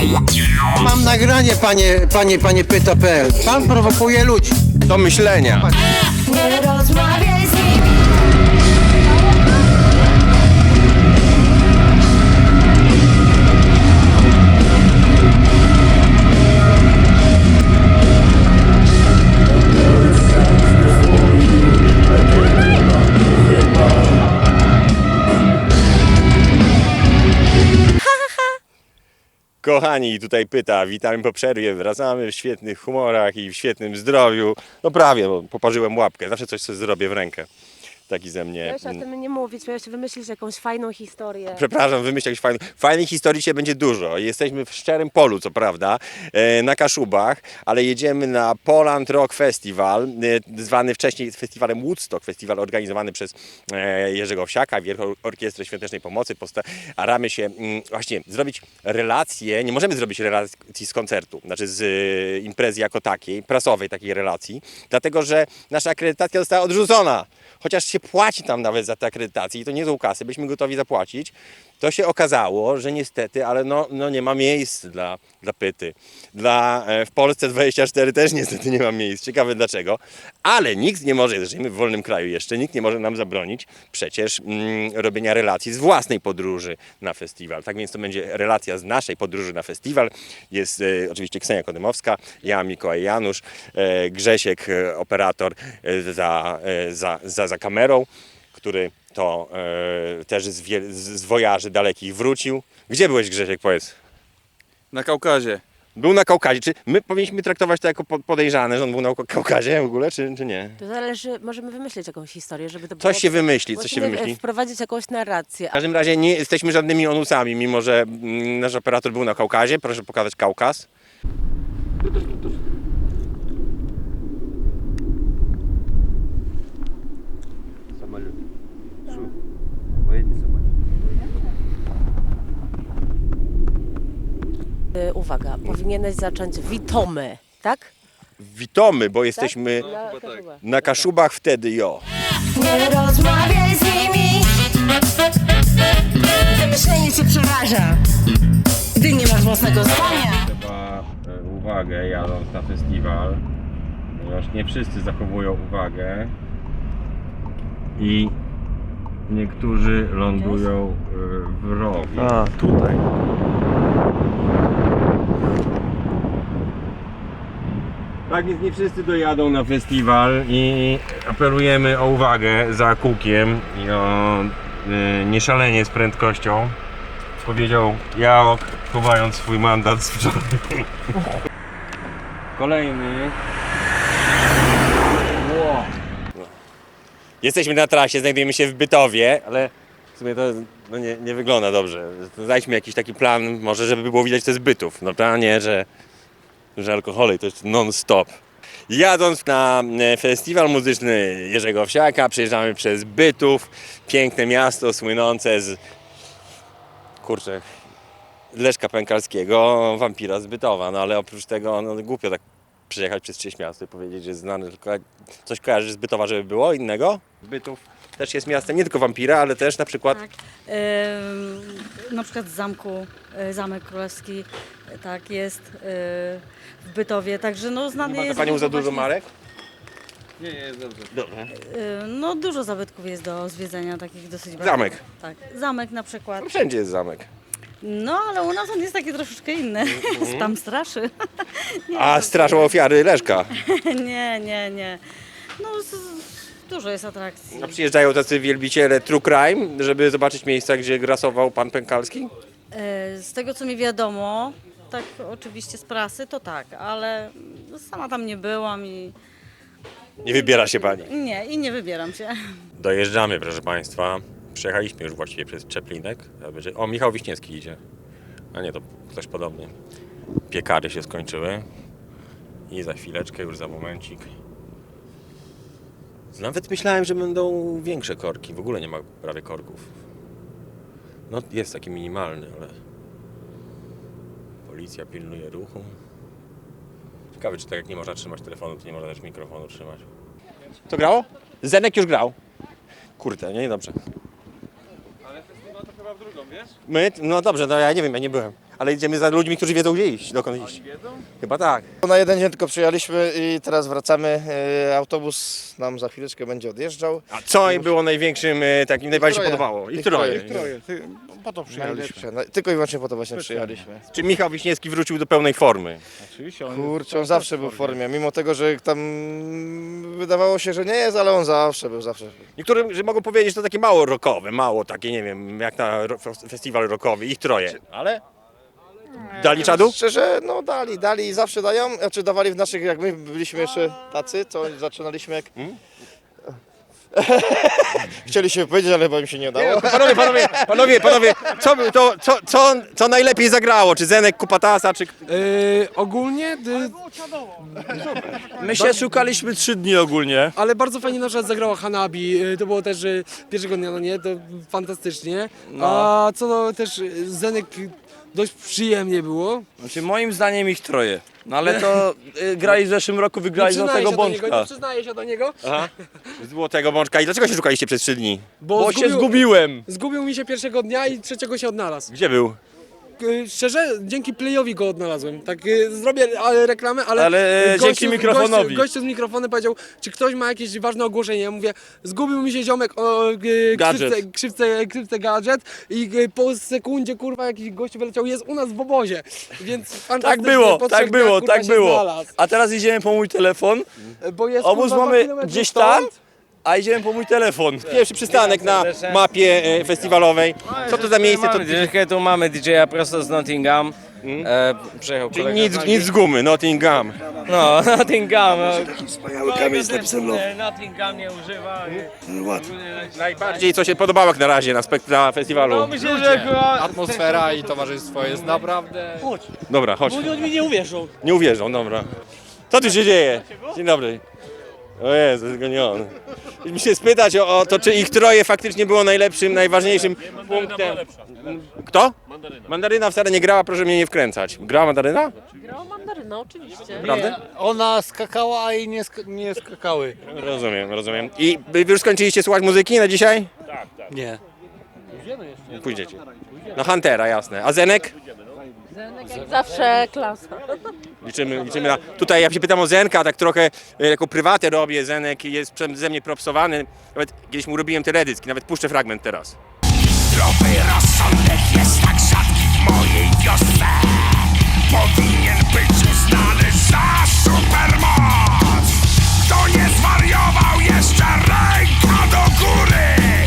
Mam nagranie, panie pyta.pl. Pan prowokuje ludzi. Do myślenia. Nie rozmawiaj z nimi. Kochani, tutaj pyta, witamy po przerwie, wracamy w świetnych humorach i w świetnym zdrowiu. No prawie, bo poparzyłem łapkę, zawsze coś sobie zrobię w rękę. Taki ze mnie. Miałeś o tym nie mówić, miałeś wymyślić jakąś fajną historię. Przepraszam, wymyślę jakąś fajną. Fajnych historii dzisiaj będzie dużo. Jesteśmy w szczerym polu, co prawda, na Kaszubach, ale jedziemy na Poland Rock Festival, zwany wcześniej festiwalem Woodstock, festiwal organizowany przez Jerzego Owsiaka, Wielką Orkiestrę Świątecznej Pomocy. Staramy się właśnie zrobić relacje, nie możemy zrobić relacji z koncertu, znaczy z imprezy jako takiej, prasowej takiej relacji, dlatego że nasza akredytacja została odrzucona. Chociaż się płaci tam nawet za te akredytacje i to nie są kasy, byliśmy gotowi zapłacić, to się okazało, że niestety, ale no nie ma miejsc dla pyty. W Polsce 24 też niestety nie ma miejsc, ciekawe dlaczego, ale nikt nie może, żyjemy w wolnym kraju jeszcze, nikt nie może nam zabronić przecież robienia relacji z własnej podróży na festiwal. Tak więc to będzie relacja z naszej podróży na festiwal. Jest oczywiście Ksenia Kodymowska, ja, Mikołaj Janusz, Grzesiek, operator za kamerą, który to też z wojaży dalekich wrócił. Gdzie byłeś, Grzesiek, powiedz? Na Kaukazie. Był na Kaukazie. Czy my powinniśmy traktować to jako podejrzane, że on był na Kaukazie w ogóle, czy nie? To zależy, możemy wymyślić jakąś historię, żeby to było... Coś się wymyśli, coś się Musimy wymyśli. wprowadzić jakąś narrację. W każdym razie nie jesteśmy żadnymi onusami, mimo że nasz operator był na Kaukazie. Proszę pokazać Kaukaz. Uwaga, powinieneś zacząć witomy, tak? Witamy, bo jesteśmy Na Kaszubach. na Kaszubach wtedy, jo. Nie rozmawiaj z nimi. Wymyślenie cię przeraża. Gdy nie masz własnego zdania. Trzeba uwagę jadąc na festiwal, ponieważ nie wszyscy zachowują uwagę i niektórzy lądują w rowie. A, tutaj. Tak więc nie wszyscy dojadą na festiwal i apelujemy o uwagę za kółkiem i o nieszalenie z prędkością. Powiedział Jaok, chowając swój mandat z wczoraj. Kolejny. Jesteśmy na trasie, znajdujemy się w Bytowie, ale w sumie to nie wygląda dobrze. Znajdźmy jakiś taki plan, może żeby było widać, to jest Bytów. No to a nie, że alkohole to jest non-stop. Jadąc na festiwal muzyczny Jerzego Owsiaka, przejeżdżamy przez Bytów, piękne miasto słynące z Leszka Pękalskiego, wampira z Bytowa, no ale oprócz tego głupio tak przejechać przez czyjeś miasto i powiedzieć, że jest znane, tylko coś kojarzysz z Bytowa, żeby było innego? Bytów też jest miastem nie tylko wampira, ale też na przykład... Tak. Na przykład z zamku, Zamek Królewski, tak jest w Bytowie, także no znany Ma jest... Panią za dużo właśnie- marek? Nie, jest dobrze. Dobrze. No dużo zabytków jest do zwiedzenia, takich dosyć bardzo. Zamek. Tak, zamek na przykład. Wszędzie jest zamek. No ale u nas on jest taki troszeczkę inny, tam straszy. A straszą ofiary Leszka. Nie. No dużo jest atrakcji. A przyjeżdżają tacy wielbiciele true crime, żeby zobaczyć miejsca, gdzie grasował pan Pękalski? Z tego co mi wiadomo, tak oczywiście z prasy, to tak, ale sama tam nie byłam i Nie wybiera się pani. nie wybieram się. Dojeżdżamy, proszę państwa. Przejechaliśmy już właściwie przez Czeplinek. O, Michał Wiśniewski idzie. A nie, to ktoś podobny. Piekary się skończyły. I za chwileczkę, już za momencik. Nawet myślałem, że będą większe korki. W ogóle nie ma prawie korków. No jest taki minimalny, ale... Policja pilnuje ruchu. Ciekawe, czy tak jak nie można trzymać telefonu, to nie można też mikrofonu trzymać. Co grało? Zenek już grał. Kurde, nie dobrze. Ale festiwal to chyba w drugą, wiesz? My? No dobrze, no ja nie wiem, ja nie byłem. ale idziemy za ludźmi, którzy wiedzą gdzie iść, dokąd iść. Chyba tak. Na jeden dzień tylko przyjechaliśmy i teraz wracamy. Autobus nam za chwileczkę będzie odjeżdżał. A co im było największym, takim najbardziej się troje. podobało? Ich troje. troje. Po to Najlepsze. Tylko i wyłącznie po to właśnie przyjechaliśmy. Czy Michał Wiśniewski wrócił do pełnej formy? Oczywiście. Kurczę, on zawsze był w formie, mimo tego, że tam wydawało się, że nie jest, ale on zawsze był. Niektórym, że mogą powiedzieć, że to takie mało rockowe, mało takie, nie wiem, jak na festiwal rockowy, ich troje. Ale dali czadu? Szczerze, no dali i zawsze dają. Znaczy dawali w naszych, jak my byliśmy jeszcze tacy, to zaczynaliśmy jak... Chcieliśmy powiedzieć, ale chyba im się nie udało. Panowie, co najlepiej zagrało? Czy Zenek Kupatasa, czy... Ogólnie, My się szukaliśmy 3 dni ogólnie. ale bardzo fajnie na przykład zagrała Hanabi, to było też pierwszego dnia, no nie, to fantastycznie. A co no, też Zenek dość przyjemnie było. Znaczy moim zdaniem ich troje. No ale to grali w zeszłym roku, wygrali do tego nie Bączka. przyznaję się do niego, Aha. Złotego Bączka. I dlaczego się szukaliście przez 3 dni? Bo się zgubiłem. Zgubił mi się pierwszego dnia i trzeciego się odnalazł. Gdzie był? Szczerze, dzięki Playowi go odnalazłem. Tak zrobię reklamę, ale dzięki mikrofonowi. Gościu z mikrofonem powiedział, czy ktoś ma jakieś ważne ogłoszenie. Ja mówię, zgubił mi się ziomek o Gadżet. krzywce gadżet i po sekundzie kurwa jakiś gościu wyleciał, jest u nas w obozie. Więc Tak fantastycznie, było, po tak 3 dniach, było, kurwa, tak się było. znalazł. A teraz idziemy po mój telefon. Bo jest, Obóz kurwa, 2 mamy kilometry gdzieś stąd. tam, a idziemy po mój telefon. Pierwszy przystanek na mapie festiwalowej. Co to za miejsce? To, Tu mamy DJ-a prosto z Nottingham. Przyjechał czyli kolega. nic z gumy, Nottingham. No, Nottingham. Wspaniały kamień z napisem Love. Nottingham nie używa. Ładnie. Najbardziej co się podobało jak na razie na festiwalu? Myślę, że Atmosfera i towarzystwo jest naprawdę... Dobra, chodź. oni mi nie uwierzą. Nie uwierzą, dobra. Co tu się dzieje? Dzień dobry. O Jezu, tylko nie on. Mi się spytać o to, czy ich troje faktycznie było najlepszym, najważniejszym punktem. Kto? Mandaryna wcale nie grała, proszę mnie nie wkręcać. Grała Mandaryna? Grała mandaryna, oczywiście. Prawda? Ona skakała, a jej nie skakały. Rozumiem. I wy już skończyliście słuchać muzyki na dzisiaj? Nie. Pójdziecie. No Huntera, jasne. A Zenek? Jak zawsze klasa. Liczymy na... Tutaj ja się pytam o Zenka, tak trochę jako prywatę robię. Zenek jest ze mnie propsowany. Nawet kiedyś mu robiłem teledysk, nawet puszczę fragment teraz. Zdrowy rozsądek jest tak rzadki w mojej wiosce. Powinien być uznany za supermoc. Kto nie zwariował, jeszcze ręka do góry.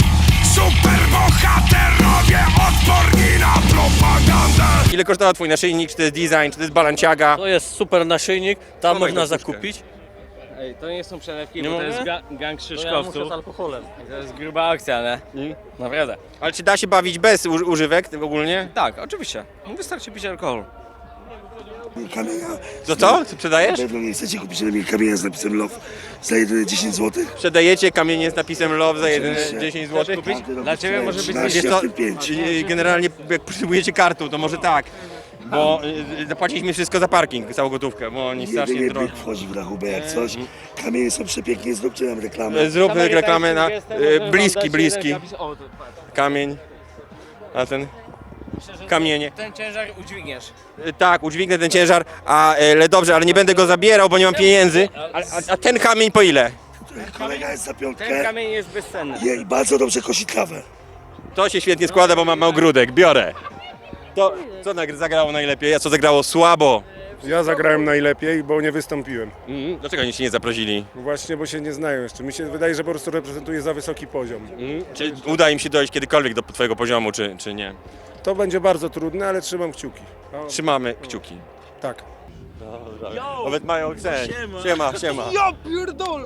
Superbohaterowie odporni na propagandę. Ile kosztował twój naszyjnik, czy to jest design, czy to jest balanciaga? To jest super naszyjnik, tam Dawaj można go puszkę. zakupić. Ej, to nie są przelewki, Nie bo to mogę? jest gang Krzyszkowców. To alkoholem. To jest gruba akcja, nie? Naprawdę. Ale czy da się bawić bez używek ogólnie? Tak, oczywiście. Wystarczy pić alkohol. Kamienia. Co? Sprzedajesz? Na pewno nie chcecie kupić lepiej kamienia z napisem Love za jedyne 10 zł? Sprzedajecie kamienie z napisem Love za jedyne Oczywiście. 10 zł? Dla ciebie może być 13, Wiesz co, w tym 5. generalnie jak potrzebujecie kartą, to może tak. Bo zapłaciliśmy wszystko za parking, całą gotówkę, bo oni strasznie Jedynie drogo. byk wchodzi w rachubę jak coś. Kamienie są przepięknie, zróbcie nam reklamę. Zrób reklamę na bliski kamień, a ten kamienie. Ten ciężar udźwigniesz. Tak, udźwignę ten ciężar, ale dobrze, ale nie będę go zabierał, bo nie mam pieniędzy. A ten kamień po ile? Kolega jest za Ten piątkę. kamień jest bezcenny. I bardzo dobrze kosi trawę. To się świetnie składa, bo mam ogródek, biorę. To co zagrało najlepiej, a co zagrało słabo? Ja zagrałem najlepiej, bo nie wystąpiłem. Dlaczego oni się nie zaprosili? Właśnie, bo się nie znają jeszcze. Mi się wydaje, że po prostu reprezentuję za wysoki poziom. Czy uda im się dojść kiedykolwiek do twojego poziomu, czy nie? To będzie bardzo trudne, ale trzymam kciuki. No, Trzymamy kciuki. tak. Nawet mają sen. Siema. Ja pierdolę!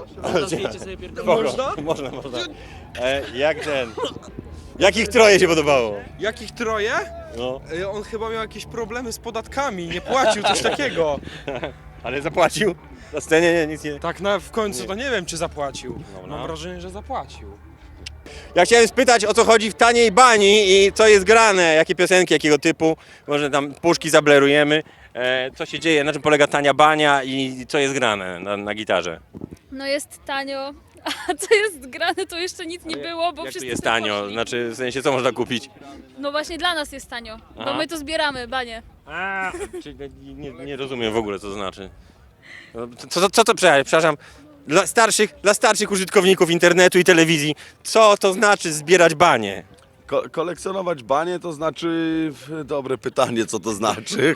Można. Jak ten? Jakich troje się podobało? Jakich troje? No, On chyba miał jakieś problemy z podatkami, nie płacił, coś takiego. ale zapłacił? Na scenie nie, nic nie. Tak w końcu to nie wiem, czy zapłacił. Dobra. Mam wrażenie, że zapłacił. Ja chciałem spytać, o co chodzi w taniej bani i co jest grane, jakie piosenki, jakiego typu. Może tam puszki zablerujemy. Co się dzieje, na czym polega tania bania i co jest grane na gitarze? No jest tanio, A co jest grane, to jeszcze nic nie było, bo Jak to wszyscy jest sobie tanio? poszli. Znaczy, w sensie, co można kupić? No właśnie dla nas jest tanio, Aha. bo my to zbieramy, banie. Czyli nie rozumiem w ogóle, co to znaczy. Co to, przepraszam, dla starszych użytkowników internetu i telewizji, co to znaczy zbierać banie? Kolekcjonować banie to znaczy... Dobre pytanie, co to znaczy.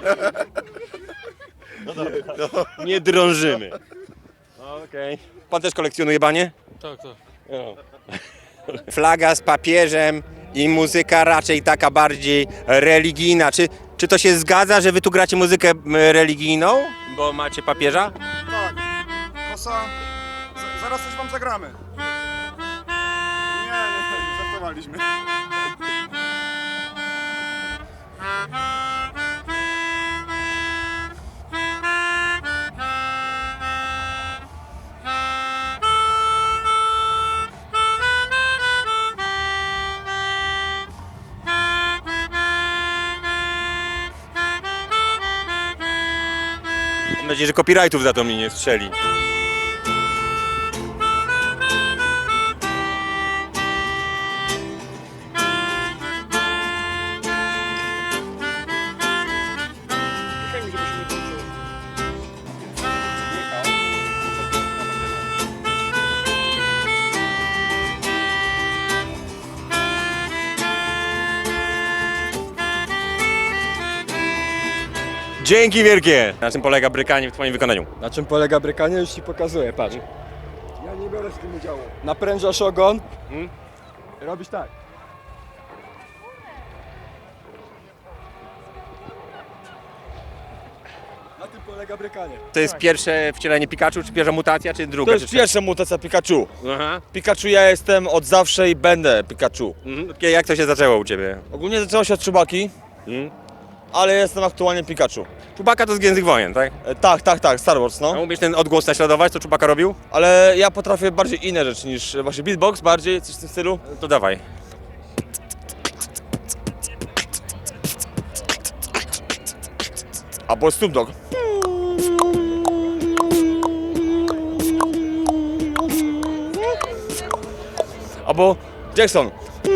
Nie drążymy. Okej. Pan też kolekcjonuje banie? Tak, tak. Flaga z papieżem i muzyka raczej taka bardziej religijna. Czy to się zgadza, że wy tu gracie muzykę religijną? Bo macie papieża? Tak. Kosa, zaraz coś wam zagramy. Nie, żartowaliśmy. Mam nadzieję, że copyrightów za to mi nie strzeli. Dzięki wielkie! Na czym polega brykanie w twoim wykonaniu? Na czym polega brykanie? Już ci pokazuję, patrz. Ja nie biorę w tym udziału. Naprężasz ogon. Robisz tak. Na tym polega brykanie. To jest pierwsze wcielenie Pikachu, czy pierwsza mutacja, czy druga? To jest czy trzecia? pierwsza mutacja Pikachu. Aha. Pikachu ja jestem od zawsze i będę Pikachu. Jak to się zaczęło u ciebie? Ogólnie zaczęło się od Chewbacki, ale jestem aktualnie Pikachu. Chewbacca to z Gwiezdnych Wojen, tak? Tak, Star Wars, A no. umiesz ten odgłos naśladować, co Chewbacca robił? Ale ja potrafię bardziej inne rzeczy niż właśnie beatbox, bardziej coś w tym stylu. To dawaj. Albo Snoop Dogg. Albo Jackson.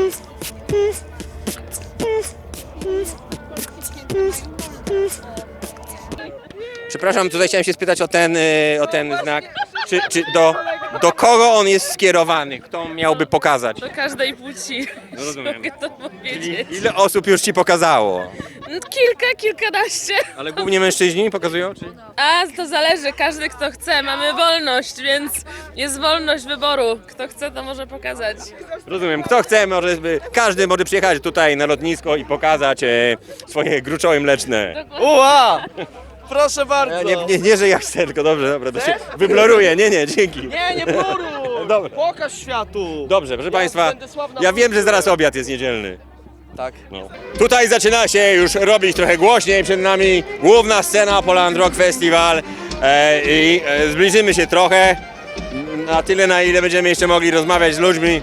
Przepraszam, tutaj chciałem się spytać o ten znak. Czy do kogo on jest skierowany? Kto miałby pokazać? Do każdej płci. No rozumiem. Mogę to powiedzieć. Ile osób już ci pokazało? Kilkanaście. Ale głównie mężczyźni pokazują? Czy? A to zależy, każdy kto chce. Mamy wolność, więc jest wolność wyboru. Kto chce, to może pokazać. Rozumiem. Kto chce, każdy może przyjechać tutaj na lotnisko i pokazać swoje gruczoły mleczne. Uła! Proszę bardzo! Nie, że ja chcę, tylko dobrze, dobra, to się wybloruję. Nie, dzięki. Nie bluruj! Dobra. Pokaż światu! Dobrze, proszę Państwa, będę sławna ja wiem, że zaraz obiad jest niedzielny. Tak. No. Tutaj zaczyna się już robić trochę głośniej, przed nami główna scena Poland Rock Festival i zbliżymy się trochę, na tyle na ile będziemy jeszcze mogli rozmawiać z ludźmi.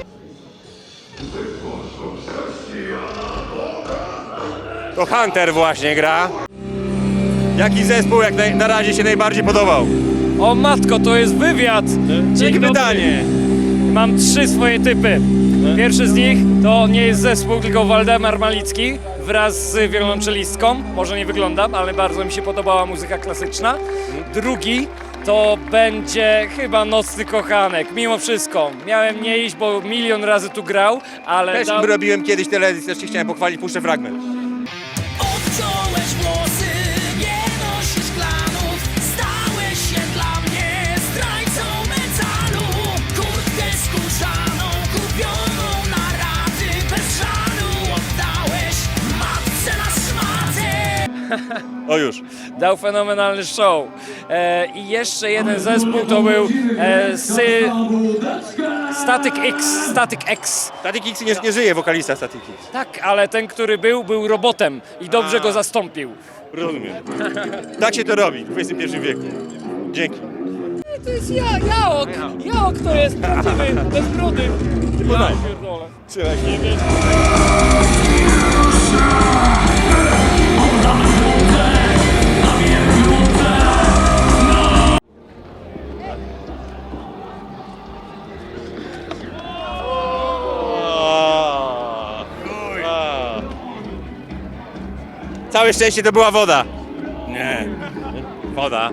To Hunter właśnie gra. Jaki zespół na razie się najbardziej podobał? O matko, to jest wywiad! Dzięki pytanie. Mam 3 swoje typy. Pierwszy z nich to nie jest zespół, tylko Waldemar Malicki wraz z wiolonczelistką. Może nie wyglądam, ale bardzo mi się podobała muzyka klasyczna. Drugi to będzie chyba Nocny Kochanek. Mimo wszystko, miałem nie iść, bo milion razy tu grał, ale... Też robiłem kiedyś telewizję, też się chciałem pochwalić, puszczę fragment. Odciąłeś włosy, nie nosisz klanów. Stałeś się dla mnie zdrajcą metalu. Kurtkę skórzaną, kupioną na raty. Bez żalu oddałeś matce na szmatę. O już. Dał fenomenalny show. I jeszcze jeden zespół to był Static X. Static X nie żyje, wokalista Static X. Tak, ale ten, który był robotem i dobrze go zastąpił. Rozumiem. Tak się to robi w XXI wieku. Dzięki. To jest Jaok. Jaok to jest prawdziwy, bez brody. Ja pierdolę. Trzymaj się. Całe szczęście to była woda. Nie. Woda.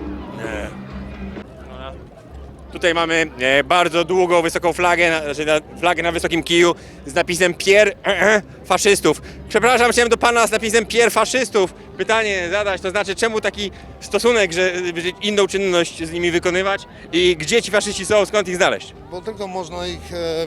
Tutaj mamy bardzo długą, wysoką flagę, flagę na wysokim kiju z napisem Pier faszystów. Przepraszam, chciałem do pana z napisem Pier faszystów pytanie zadać, to znaczy czemu taki stosunek, że inną czynność z nimi wykonywać i gdzie ci faszyści są, skąd ich znaleźć? Bo tylko można ich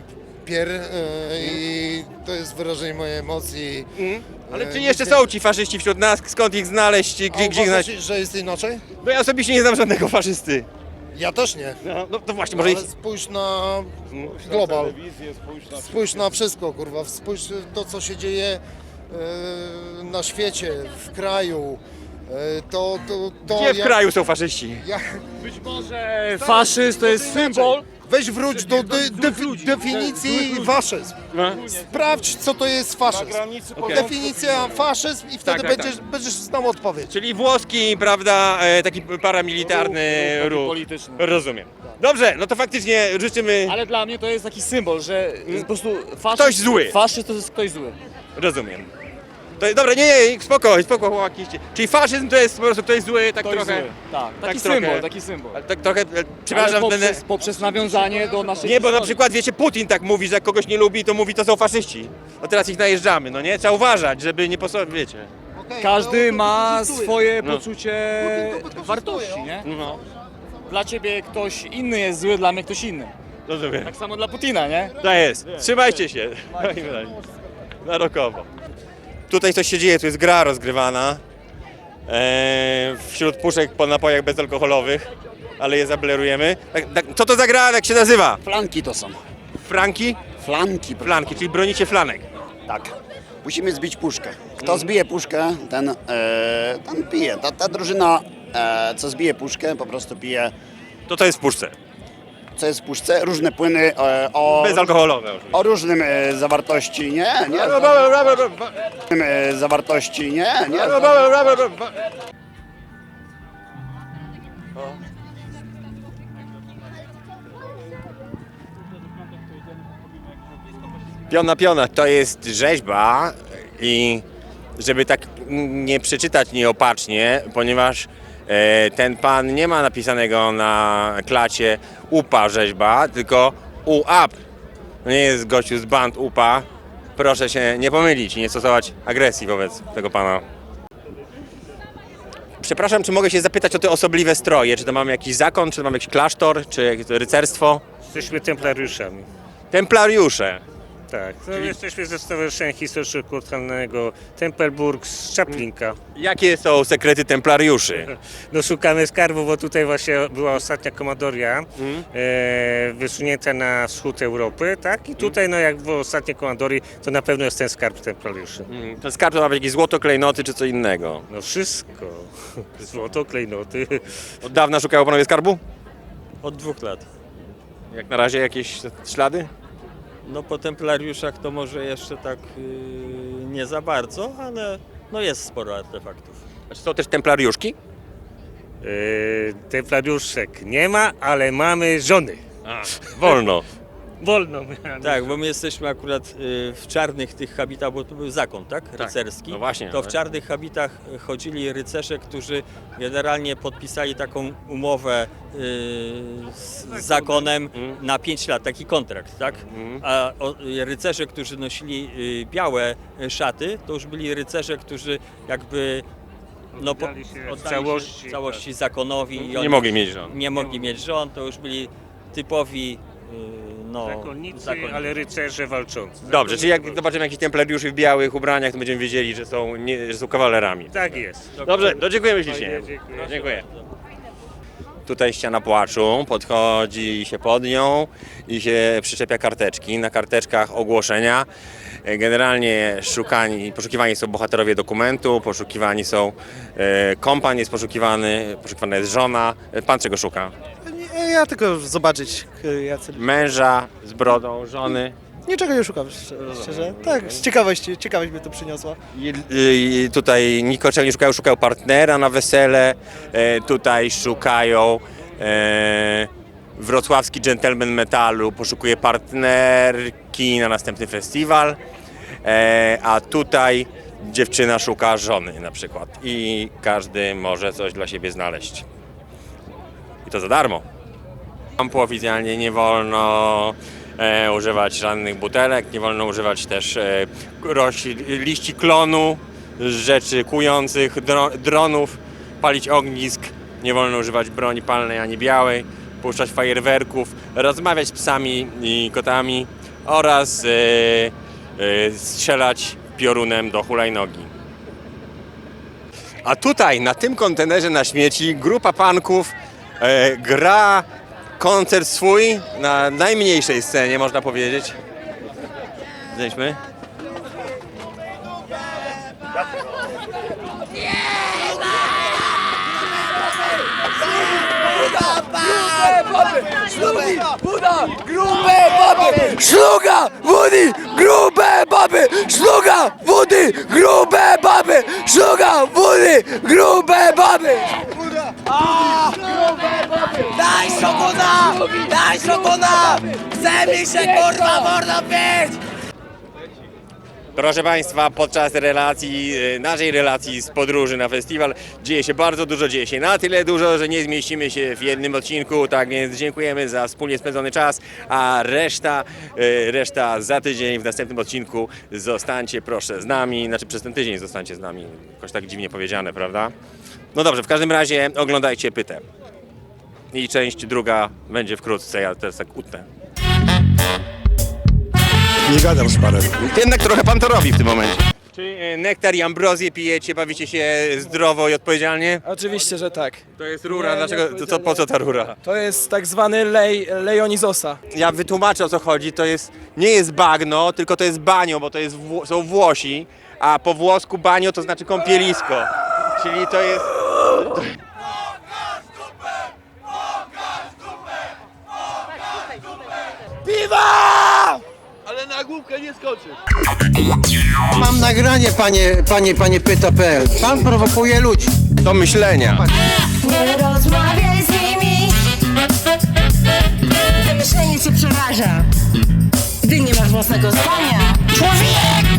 i to jest wyrażenie mojej emocji. Ale czy jeszcze są ci faszyści wśród nas, skąd ich znaleźć i gdzie ich znaleźć? Że jest inaczej? No ja osobiście nie znam żadnego faszysty. Ja też nie. No to właśnie, może ich... Ale spójrz na global. Spójrz na wszystko, kurwa. Spójrz to, co się dzieje na świecie, w kraju. Gdzie w kraju są faszyści? Być może faszyzm to jest symbol. Weź wróć do definicji faszyzm. Sprawdź, co to jest faszyzm. Definicja faszyzm i wtedy będziesz znał odpowiedź. Czyli włoski, prawda, taki paramilitarny ruch. Polityczny. Rozumiem. Dobrze, no to faktycznie życzymy... Ale dla mnie to jest taki symbol, że po prostu faszyzm, Ktoś zły. Faszyzm to jest ktoś zły. Rozumiem. To, dobra, nie, spoko, chłopaki. Czyli faszyzm to jest po prostu ktoś zły, tak Ktoś trochę... zły. Tak, taki trochę- symbol, taki symbol. Ale tak trochę, przepraszam, Ale będę... poprzez nawiązanie do naszej Nie, bo na historii. przykład, wiecie, Putin tak mówi, że jak kogoś nie lubi, to mówi, to są faszyści. No teraz ich najeżdżamy, no nie? Trzeba uważać, żeby nie wiecie. Każdy ma swoje No. poczucie wartości, nie? No, Dla ciebie ktoś inny jest zły, dla mnie ktoś inny. rozumiem. Tak samo dla Putina, nie? To jest. Trzymajcie się. Na rokowo. Tutaj coś się dzieje, tu jest gra rozgrywana. Wśród puszek po napojach bezalkoholowych, ale je zablerujemy. Co to za gra, jak się nazywa? Flanki to są. Franki? Flanki. Flanki, czyli bronicie flanek. Tak. Musimy zbić puszkę. Kto zbije puszkę, ten pije. Ta drużyna, co zbije puszkę, po prostu pije. To jest w puszce. Co jest w puszce? Różne płyny Bezalkoholowe. o różnym zawartości, nie? Zawartości, nie? Piona, to jest rzeźba i żeby tak nie przeczytać nieopatrznie, ponieważ ten pan nie ma napisanego na klacie UPA rzeźba, tylko UAP. To nie jest gościu z band UPA. Proszę się nie pomylić i nie stosować agresji wobec tego pana. Przepraszam, czy mogę się zapytać o te osobliwe stroje? Czy to mamy jakiś zakon, czy to mamy jakiś klasztor, czy jakieś rycerstwo? Jesteśmy templariuszami. Templariusze. Tak, jesteśmy ze Stowarzyszenia Historyczno-Kulturalnego Tempelburg z Czaplinka. Jakie są sekrety templariuszy? No szukamy skarbu, bo tutaj właśnie była ostatnia komandoria wysunięta na wschód Europy, tak? I tutaj no jak było ostatnie komandorii, to na pewno jest ten skarb templariuszy. Ten skarb to ma być jakieś złoto, klejnoty czy co innego? No wszystko. Złoto, klejnoty. Od dawna szukają panowie skarbu? Od 2 lat. Jak na razie jakieś ślady? No po templariuszach to może jeszcze tak nie za bardzo, ale no jest sporo artefaktów. A czy są też templariuszki? Templariuszek nie ma, ale mamy żony. Wolno. Wolno. Tak, bo my jesteśmy akurat w czarnych tych habitach, bo to był zakon, tak? Rycerski. No właśnie. To w czarnych habitach chodzili rycerze, którzy generalnie podpisali taką umowę z zakonem na 5 lat, taki kontrakt, tak? A rycerze, którzy nosili białe szaty, to już byli rycerze, którzy jakby Oddali się w całości zakonowi. I Nie oni mogli mieć żon. Nie mogli mieć żon, to już byli typowi zakonnicy, ale rycerze walczący. Dobrze, czyli jak zobaczymy jakichś templariuszy w białych ubraniach, to będziemy wiedzieli, że są kawalerami. Tak jest. Dobrze, to dziękujemy ślicznie. Dziękuję. Dziękuję. Tutaj ściana płaczu, podchodzi się pod nią i się przyczepia karteczki. Na karteczkach ogłoszenia. Generalnie poszukiwani są bohaterowie dokumentu, poszukiwani są kompan jest poszukiwana jest żona. Pan czego szuka? Ja tylko zobaczyć, jacy... Męża z brodą, żony. Niczego nie szukam, szczerze. Tak, z ciekawości, ciekawość mnie to przyniosła. I tutaj nikoczego nie szukają partnera na wesele, tutaj szukają wrocławski dżentelmen metalu, poszukuje partnerki na następny festiwal, a tutaj dziewczyna szuka żony na przykład i każdy może coś dla siebie znaleźć. I to za darmo. Oficjalnie nie wolno używać żadnych butelek, nie wolno używać też liści klonu, rzeczy kłujących, dronów, palić ognisk, nie wolno używać broni palnej ani białej, puszczać fajerwerków, rozmawiać z psami i kotami oraz strzelać piorunem do hulajnogi. A tutaj, na tym kontenerze na śmieci, grupa panków gra koncert swój na najmniejszej scenie, można powiedzieć. Zejdźmy. Buda, grube baby, szluga, wody, grube baby, szluga, wody, grube baby, szluga, wody, grube baby. Daj szokona, daj szokona, chce mi się kurwa mordo pić. Proszę Państwa, podczas naszej relacji z podróży na festiwal dzieje się bardzo dużo, dzieje się na tyle dużo, że nie zmieścimy się w jednym odcinku, tak więc dziękujemy za wspólnie spędzony czas, a reszta za tydzień w następnym odcinku. Zostańcie proszę z nami, znaczy przez ten tydzień zostańcie z nami, jakoś tak dziwnie powiedziane, prawda? No dobrze, w każdym razie oglądajcie Pytę. I część druga będzie wkrótce, ja teraz tak utnę. Nie gadam z panem. Jednak trochę pan to robi w tym momencie. Czy nektar i ambrozję pijecie, bawicie się zdrowo i odpowiedzialnie? Oczywiście, że tak. To jest rura, dlaczego, po co ta rura? To jest tak zwany lej Leonizosa. Ja wytłumaczę, o co chodzi, nie jest bagno, tylko to jest banio, bo to są Włosi, a po włosku banio to znaczy kąpielisko, czyli to jest... Piwa! Ale na główkę nie skoczy. Mam nagranie, panie pyta.pl. Pan prowokuje ludzi. Do myślenia. Nie rozmawiaj z nimi. Wymyślenie cię przeraża. Gdy nie masz własnego zdania. Człowiek!